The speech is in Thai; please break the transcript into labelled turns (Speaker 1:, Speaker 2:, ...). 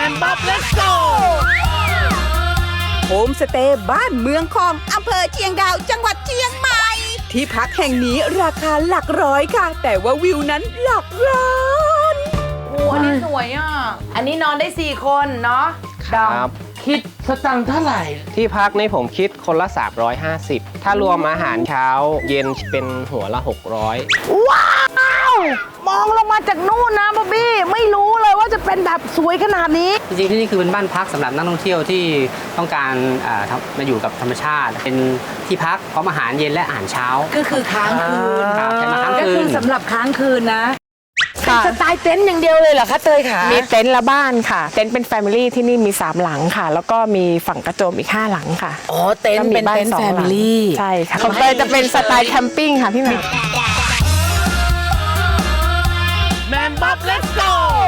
Speaker 1: นบ๊อบเลสโกโฮมสเตย์บ้านเมืองคองอำเภอเชียงดาวจังหวัดเชียงใหม่ที่พักแห่งนี้ราคาหลักร้อยค่ะแต่ว่าวิวนั้นหลักล้าน
Speaker 2: โอ้อันนี้สวยอ่ะอันนี้นอนได้4คนเนาะ
Speaker 3: ครับ
Speaker 4: คิดสตังค์เท่าไหร่
Speaker 3: ที่พักนี่ผมคิดคนละ 350 ถ้ารวมอาหารเช้าเย็นเป็นหัวละ 600
Speaker 2: ว้าวมองลงมาจากนู่นนะบ๊อบบี้ไม่รู้เลยว่าจะเป็นแบบสวยขนาดนี้
Speaker 5: จริงๆที่นี่คือเป็นบ้านพักสำหรับนักท่องเที่ยวที่ต้องการมาอยู่กับธรรมชาติ เป็นที่พักพร้อมอาหารเย็นและอาหารเช้า
Speaker 2: ก็คือค้างคืน
Speaker 5: ครับใช้มาค้าง
Speaker 2: ก็
Speaker 5: คื
Speaker 2: คือน สำหรับค้างคืนนะเป็น
Speaker 6: ค่ะ
Speaker 2: สไตล์เต็นท์อย่างเดียวเลยเหรอคะเตยขา
Speaker 6: มีเต็นท์ละบ้านค่ะ เต็นท์เป็นแฟมิลี่ที่นี่มี3หลังค่ะ แล้วก็มีฝั่งกระโจมอีก5หลังค่ะ
Speaker 2: อ๋อเต็นท์เป็นเต็นท์แฟมิลี่
Speaker 6: ใช่ค่ะของเตยจะเป็นสไตล์แคมปิ้งค่ะพี่แหม่ม
Speaker 1: แมนบ๊อบเลสโก